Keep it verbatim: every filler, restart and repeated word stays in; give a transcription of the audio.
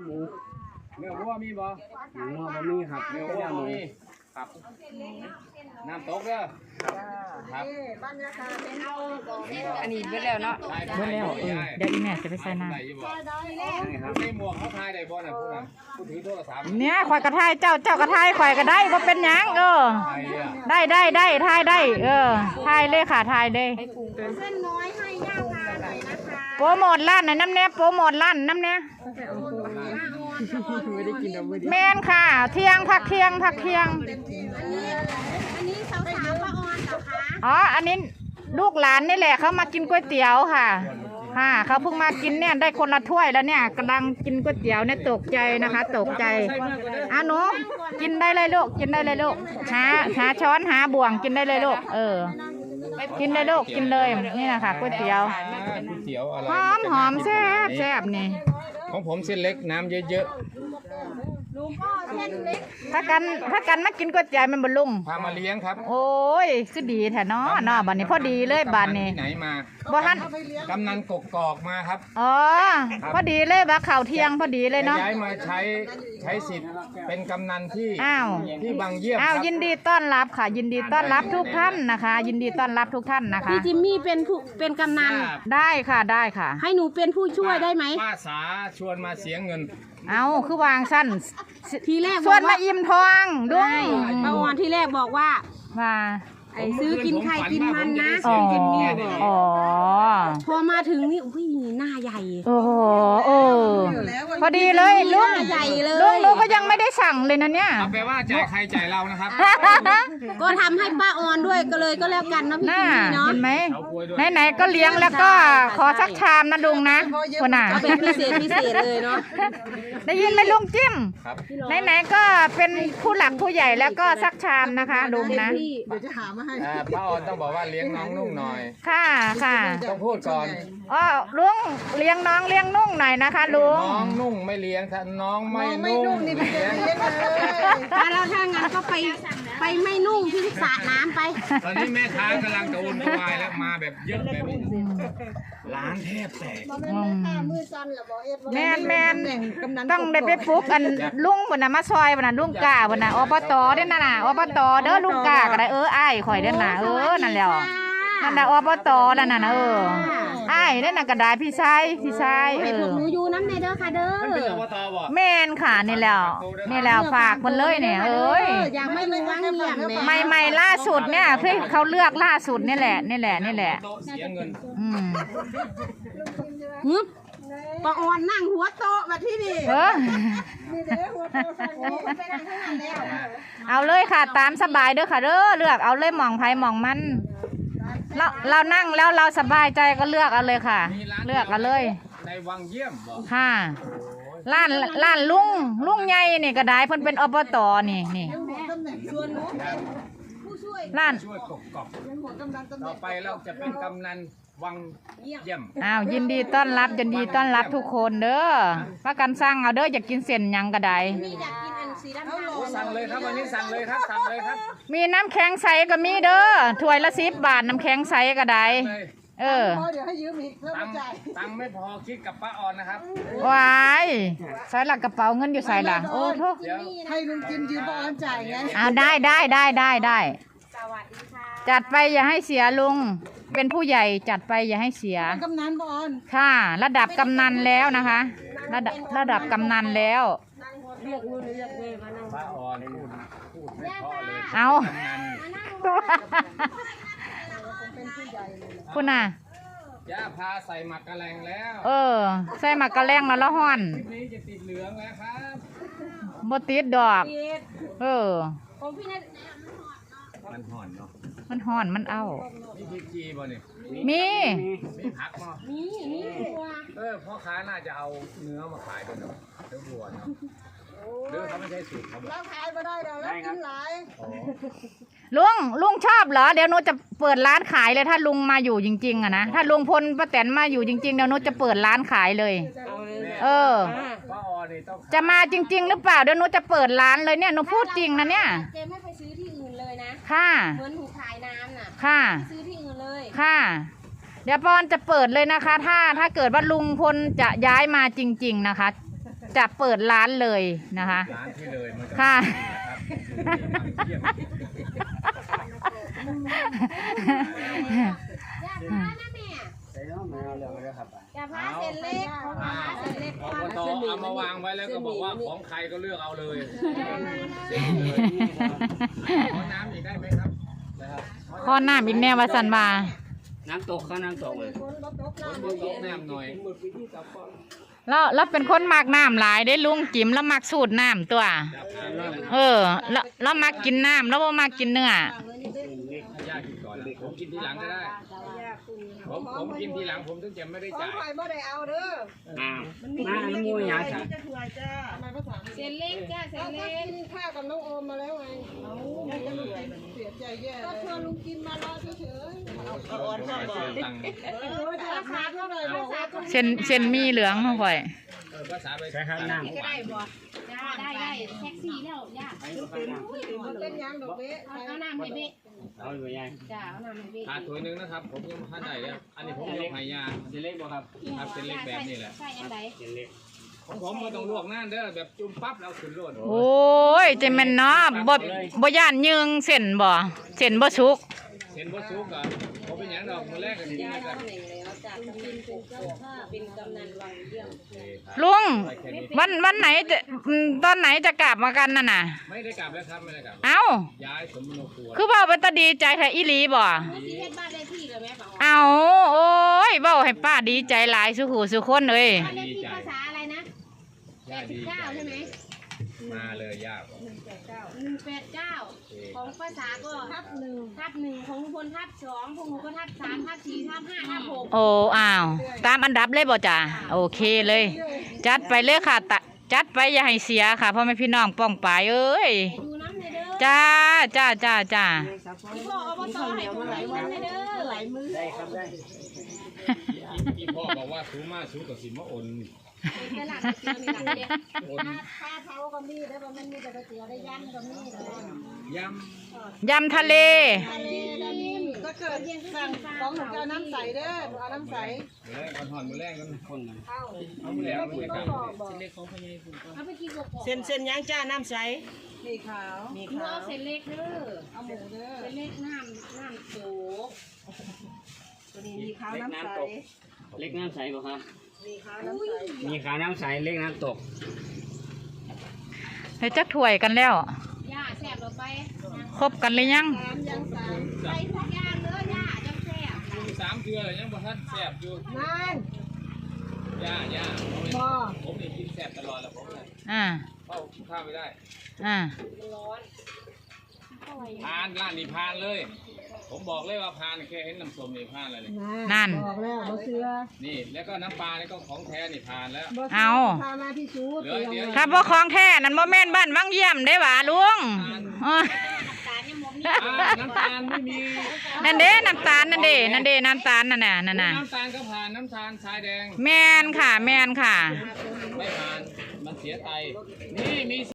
หมูเนื้อวัวมีบ่หมูบะหมี่ครับเนื้อก็วัวย่างหมูมีครับน้ำตกเด้อครับอันนี้เบิดแล้วเนาะเบิดแล้วเออเดี๋ยวอีแม่จะไปใส่น้ำได้อยู่บ่ใส่หมวกเขาทายได้บ่น่ะผู้นั้นผู้ถือโทรศัพท์เนี่ยข่อยกระทายเจ้าเจ้ากระทายข่อยก็ได้บ่เป็นหยังเออไทยอ่ะได้ได้ได้ทายได้ เออทายเลยค่ะทายเลยเส้นน้อยให้ย่างมาหน่อยนะคะโปรโมทร้านน่ะน้ำแน่โปรโมทร้านน้ำแน่ไม่ได้กินเอาไม่ได้แม่นค่ะ เที่ยงพักเที่ยงพักเที่ยงอันนี้อันนี้สาวสาวป้าออนเหรอคะอ๋ออันนี้ลูกหลานนี่แหละเขามากินก๋วยเตี๋ยวค่ะค่ะเขาเพิ่งมากินเนี่ยได้คนละถ้วยแล้วเนี่ยกำลังกินก๋วยเตี๋ยวเนี่ยตกใจนะคะ ตกใจอ่ะหนูกินได้เลยลูกกินได้เลยลูกหาหาช้อนหาบ่วงกินได้เลยลูกเออกินได้ลูกกินเลยนี่นะคะก๋วยเตี๋ยวก๋วยเตี๋ยวอะไรหอมหอมแซ่บแซ่บนี่ของผมเส้นเล็กน้ำเยอะลุงก็เส้นเล็กถ้ากันถ้ากันมากินก๋วยเตี๋ยวมันบลุงๆพามาเลี้ยงครับโอ้ยคือดีแท้เนาะเนาะบัดนี้พอดีเลยบัดนี้ที่ไหนมาบ่ทันกำนันกกอกมาครับอ๋อพอดีเลยบักข่าวเที่ยงพอดีเลยเนาะย้ายมาใช้ใช้สิทธิ์เป็นกำนันที่อ้าวที่บางเยี่ยมคอ้าวรับยินดีต้อนรับค่ะ ยินดีต้อนรับทุกท่านนะคะ ยินดีต้อนรับทุกท่านนะคะพี่จิมมี่เป็นผู้เป็นกำนันได้ค่ะได้ค่ะให้หนูเป็นผู้ช่วยได้ไหมป้าสาชวนมาเสียเงินเอาคือวางสั้นทีแรกส่วนบอกมาอิ่มทองด้วยป้าออนที่แรกบอกว่ามาไอ้ซื้อกินไข่กินมันนะอ๋อซื้อกินเมียบอกอ๋อพอมาถึงนี่อุ้ยหน้าใหญ่โอ้โหเออพอดีเลยลุงหน้าใหญ่เลยลุงลุงก็ยังไม่ได้สั่งเลยนะเนี่ยเอาแปลว่าจ่ายใครจ่ายเรานะครับก็ทำให้ป้าออนด้วยก็เลยก็แล้วกันเนาะพี่น่าจิมมี่เนาะเห็นไหมเอากล้วยด้วยไหนๆก็เลี้ยงแล้วก็ขอสักชามนะลุงนะคนน่ะก็เป็นพิเศษพิเศษเลยเนาะได้ยินไหมลุงจิ้มครับไหนๆก็เป็นผู้หลักผู้ใหญ่แล้วก็สักชามนะคะลุงนะพี่อ่าป้าออนต้องบอกว่าเลี้ยงน้องนุ่งหน่อยค่ะค่ะต้องพูดก่อนอ๋อลุงเลี้ยงน้องเลี้ยงนุ่งหน่อยนะคะลุงน้องนุ่งไม่เลี้ยงถ้าน้องไม่นุ่งเลี้ยงถ้าเราถ้างั้นก็ไปไปไม่นุ่งที่สระน้ำไปตอนนี้แม่ค้ากำลังจะอุ่นวายแล้วมาแบบเยอะแบบนี้ร้านแทบแตกแมนแมนต้องได้ไปปลุกอันลุงบนน่ะมาซอยบนน่ะลุงกาบนน่ะอบตเด้อน่ะน่ะอบตเด้อลุงกาก็ได้เอออ้ายข่อยเด้อน่ะเออนั่นแหละนั่นน่ะอบตนั่นน่ะเอออ้ายเด้อน่ะก็ได้พี่ชายพี่ชายเอให้พวอกหนูอยู่น้ำในเด้อค่ะเด้มันเป็นออบตบ่แม่นค่ะนี่แหล้วนี่แหล้วฝากมันเลยเนี่ยเอ้ยอยากไม่รู้ว่างเงียบแม่ใหม่ใหม่ล่าสุดเนี่ยเพื่อเขาเลือกล่าสุดนี่แหละนี่แหละนี่แหละโต๊ะเสียเงินอืมฮึบป้าออนนั่งหัวโต๊ะมาที่นี่เออเอาเลยค่ะตามสบายเด้อค่ะเด้อเลือกเอาเลยหมองไผ่หมองมันเราเรานั่งแล้วเราสบายใจก็เลือกเอาเลยค่ะ เลือกเอาเลยในวังเยี่ยมบ่ค่ะร้านร้านลุงลุงใหญ่นี่ก็ได้เพิ่นเป็นอบตนี่นี่ร้านช่วยกบกบต่อไปเราจะเป็นกำนันวังเยี่ยมอ้าวยินดีต้อนรับยินดีต้อนรับทุกคนเด้อว่ากันสร้างเอาเด้ออยากกินเส้นหยังก็ได้นี่อยากกินอันสีดำโอ้สั่งเลยครับวันนี้สั่งเลยครับสั่งเลยครับมีน้ำแข็งใสก็มีเด้อถ้วยละสิบบาทน้ำแข็งใสก็ได้เลยเออตังค์ตังค์ไม่พอคิดกับป้าออนนะครับวายใส่หลักกระเป๋าเงินอยู่ใส่ล่ะโอ้โทษเดี๋ยวให้ลุงจิมยืมป้าออนจ่ายไงเอาได้ได้ได้ได้ได้สวัสดีค่ะจัดไปอย่าให้เสียลุงเป็นผู้ใหญ่จัดไปอย่าให้เสียกำนันป้าออนค่ะ ระดับกำนันแล้วนะคะ ระดับระดับกำนันแล้วป้าออนพูดพูดไม่เพราะเลยเอากำนันคุณน่ะย่าพาใส่หมักกระแลงแล้วเออ ใส่หมากกระแลงแล้วละห้อนคลิปนี้จะติดเหลืองแล้วครับบ่ติดดอก เออของพี่นัทมันห่อนเนาะมันห้อนมันเอามีพริกจีบ่เนี่ยมีมีผักบ่นี่นี่ตัวเออพ่อค้าน่าจะเอาเนื้อมาขายด้วยเนาะเนื้อวัวเนาะหรือเขาไม่ใช่สูตรเขาบอกเราขายมาได้เราแล้วกินหลายอ๋อลุงลุงชอบเหรอเดี๋ยวหนูจะเปิดร้านขายเลยถ้าลุงมาอยู่จริงๆอะนะถ้าลุงพลป้าแตนมาอยู่จริงๆเดี๋ยวหนูจะเปิดร้านขายเลย เออป้าออนนี่ต้องขายจะมาจริง ๆ หรือเปล่าเดี๋ยวหนูจะเปิดร้านเลยเนี่ยหนูพูดจริงนะเนี่ยเจมไม่ไปซื้อที่อื่นเลยนะค่ะเหมือนถูกขายน้ำน่ะค่ะซื้อที่อื่นเลยค่ะ เดี๋ยวปอนจะเปิดเลยนะคะ ถ้าถ้าเกิดว่าลุงพลจะย้ายมาจริง ๆนะคะจะเปิดร้านเลยนะคะร้านที่เลยมันจะค่ะเยี่ยมใส่น้องมาเอาเรื่องเลยครับอย่าพาเส้นเล็กของพาเส้นเล็กพอพอเอามาวางไว้แล้วก็บอกว่าของใครก็เลือกเอาเลยเสร็จเลยขอน้ำอีกได้ไหมครับนะครับข้อหน้าบินแน่วาสันมาน้ำตกข้าน้ำตกเลยคนบนโต๊ะน้ำหน่อยแล้วแล้วเป็นคนมักน้ำหลายได้ลุงจิ๋มแล้วมักสูตรน้ำตัว เออ แล้วแล้วมักกินน้ำแล้วว่ามักกินเนื้อให้ย่ากินก่อนนะผมกินทีหลังก็ได้ผมผมกินทีหลังผมถึงจะไม่ได้ของจ่ายข่อยบ่ได้เอาเด้ออ้าวมาน้ำมูยาจ้ะจะถวยจ้าทำไมภาษาเส้นเล็กจ้าเส้เอานถ้าเล็กกินข้าวกับน้องโอมมาแล้วไงยังจะเหนื่อยเสียใจแย่ก็ชวนลุงกินมารอเฉยๆเอาอ่อนข้าวบ่ตังค์เออราคาเท่าไหร่บอกว่าเส้นเส้นมีเหลืองเขาค่อยเออภาษาไปใส่ข้าวน้ำก็ได้บ่จ้าได้ได้แท็กซี่แล้วย่ามันเป็นยังดอกเบี้ยเอาเอาน้ำให้เบ๊เอาอยู่ยังจ้าเอาน้ำให้เบ๊ขาดถ้วยหนึงนะครับ ผมยังท่านใดแล้วอันนี้ผมยกให้ยาเส้นเล็กบ่ครับครับเป็นเล็กแบบนี้แหละใส่อันใดเส้นเล็กของผมไม่ต้องลวกน้ำเด้อแบบจุ่มปั๊บแล้วขึ้นโลดโอ้ยเจแม่นเนาะบ่บ่ย่านยึงเส้นบ่เส้นบ่สุกเห็นบ่ซุกอ่ะผมเป็นอย่างดอกมือแรกกันกินกันเป็นกำนันวังเยี่ยมลุงวันวันไหนจะอืมตอนไหนจะกลับมากันน่ะน่ะไม่ได้กลับแล้วครับไม่ได้กลับเอ้าย้ายสมมโนครัวคือเว้าเป็นตาดีใจแท้อีหลีบ่ผู้ที่เฮ็ดบ้านเลขที่เลยแม่ป๋าเอาโอ้ยเว้าให้ป้าดีใจหลายสุหูสุคนเอ้ยบ้านเลขที่ภาษาอะไรนะแปย่าดสิบดีเก้าใช่ไหมมาเลยย่าหนึ่งแปดเก้าของภาษาก็ทับหนึ่งทับหนึ่งของลุงพลทับสองพวกหนูก็ทับสามทับสี่ทับห้าทับหกโอ้อ้าวตามอันดับเลยบ่จ้ะโอเคเลย จัดไปเลยค่ะตะจัดไปอย่าให้เสียค่ะพ่อแม่พี่น้องป้องปายเอ้ยดูน้ำเลยเด้อจ้าจ้าจ้าจ้าพี่พ่ออบตให้ผมไหลวันเลยเด้อไหลมือได้ครับได้พี่พ่อบอกว่าสูงมากสูงกับสิมะอนตลาดเสียมีหลังเด็กอนข้าวเท้าก็มีได้บ่มันมีแต่ก๋วยเตี๋ยวได้ย่างก็มีเลยยยำทะเลทะเลได้นิ่มก็เกิดสั่งของหนูจะเอาน้ำใสเด้อหนูเอาน้ำใสำมือแรกก่อนหอนมือแรกกันคนนั้นเอาเอามือแรกมือแรกกันเอาไปกินกบเส้นเส้นย่างจ้าน้ำใสมีขาวมีหนูขาเอาวเส้นเล็กเด้อเอาหมูเด้อเส้นเล็กน้ำน้ำโตตัวนี้มีขาวน้ำใสเล็กน้ำใสบ่ครับมีขาวน้ำใสมีขาวน้ำใสเล็กน้ำตกเฮ้ยจักถ้วยกันแล้วย่าแซ่บเราไปครบกันหรือยังสามยังสามใส่ทุกอย่างเด้อย่าจังแซ่บสามเทือเลยยังบ่ทันแซ่บอยู่นั่นย่าย่าบ่ผมนี่กินแซ่บตลอดแล้วผมเลยอ่าเข้าข้าวไม่ได้อ่าร้อนพานร้านนี้พานเลย ผมบอกเลยว่าพานแค่เห็นน้ำส้มนี่พานเลยนั่นบอกแล้วบ่เชื่อนี่แล้วก็น้ำปลานี่ก็ของแท้นี่พานแล้วบ่เอาพามาที่ชูเหลือเดี๋ยวถ้าบ่ของแท้นั่นบ่แม่นบ้านวังเยี่ยมได้หว่าลุงอ้อตาเนี่ยมมนี่อ่าน้ำตาลไม่มีนั่นเด้น้ำตาลนั่นเด้นั่นเด้น้ำตาลนั่นน่ะนั่นน่ะน้ำตาลก็ผ่านน้ำตาลทรายแดงแม่นค่ะ แม่นค่ะไม่ผ่านมันเสียไตนี่มี